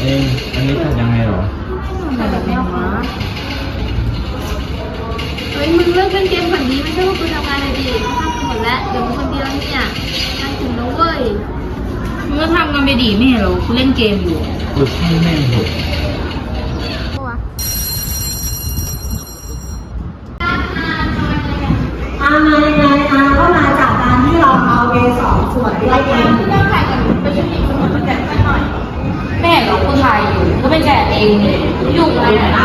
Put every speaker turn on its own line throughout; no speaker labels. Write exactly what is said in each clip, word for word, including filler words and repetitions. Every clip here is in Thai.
เอ๊ะอันนี้ทำยังไงหรอ
อะไรแบบนี้วะ
เฮ้ยมึงเลิกเล่นเกมก่อนดีไม่ใช่ว่ากูทำงานเลยดิเขาทำกันหมดแล้วเดี๋ยวมึงคนเดียวเนี่ยงานถึงแล้วเว้ย
มึงก็ทำกันไปดีไม่เห็นหรอกูเล่นเกมอยู่
กูช่างแม่งเถอะ
อามายังไงอาก็มาจากการที่เราเอาเอสองส่วนด้วยกัน
เรื่องถ่ายกันไปยืนอีกคนมาแกะให้หน่อยแม่เรากูถ่ายอยู่ก็ไปแกะเองยุ่งอะไรนะ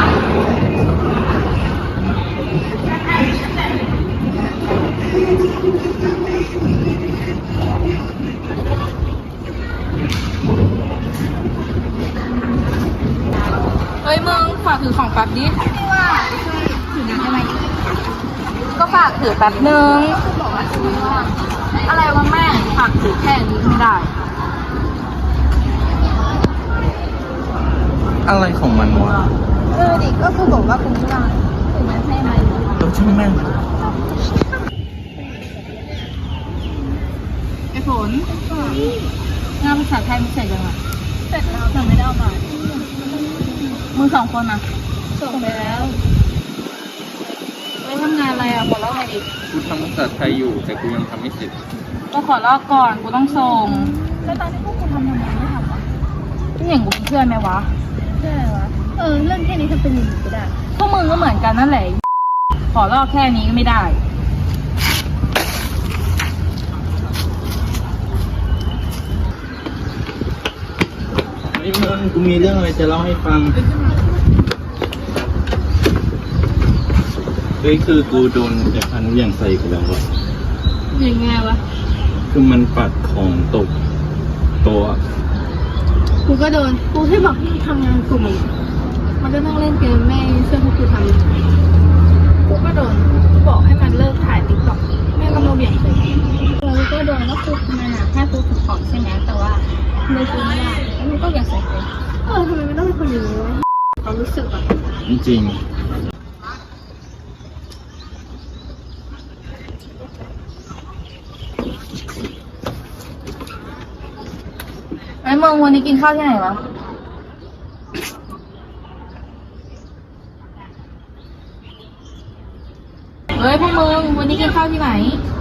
เฮ้ยมึงฝากถือของแป๊บดิไม่ว่าถือน้ำได้ไหมก็ฝากถือแป๊บนึงบอกว่าถือว่าอะไรวะแม่ฝากถือแค่นี้ไม่ได้
อะไรของมันวะ
เออดิก็คือบอกว่ากูไม่ว่างถึงนั้นให้ไหม
ต้องช่างแม่ง
ไอ้ฝนงานภาษาไทยมึงเสร็จยังไง
เสร็จแล้วแต่ไม่ได้เอามา
มึงสองคนอ่ะ
ส่งไปแล้ว
ไปทำงานอะไรอ่ะบอกเล่าหน่อยดิ
กูทำภาษาไทยอยู่แต่กูยังทำไม่เสร็จ
ก็ขอลอกก่อนกูต้องส่ง
แล้วตอนที่พวกกูทำทำไมไม่ทำวะ
พี่อย่างกูเป็นเพื่อนไหมวะ
ใช่วะเออเรื่องแค่นี้ทำเป็นอย่างนี้ก็ได้
พวกมึงก็เหมือนกันนั่นแหละขอลอกแค่นี้ก็ไม่ได้
ไอ้มึงกูมีเรื่องอะไรจะเล่าให้ฟังเฮ้ยคือกูโดนไอ้พันธุ์อย่างใส่กูแล้วอะ
ยังไงวะ
คือมันปัดของตกโต๊ะ
กูก็โดนกูให้บอกให้ทำงานกลุ่มมันก็นั่งเล่นเกมแม่เชื่อพวกกูทำกูก็โดนกูบอกให้มันเลิกถ่ายติ๊กต็อกแม่ก็มาเบี่ยงเลยเราก็โดนก็คือมันอะแค่กูถือของใช่ไหมแต่ว่าไม่กูไม่ได้แล้วมันก็อยากใส่เลยเออทำไมไม่ต้องเป็นคนอย่างนี้วะความรู้สึกอะ
จริง
ไอ้มึงวันนี้กินข้าวที่ไหนวะเฮ้ยพวกมึงวันนี้กินข้าวที่ไหน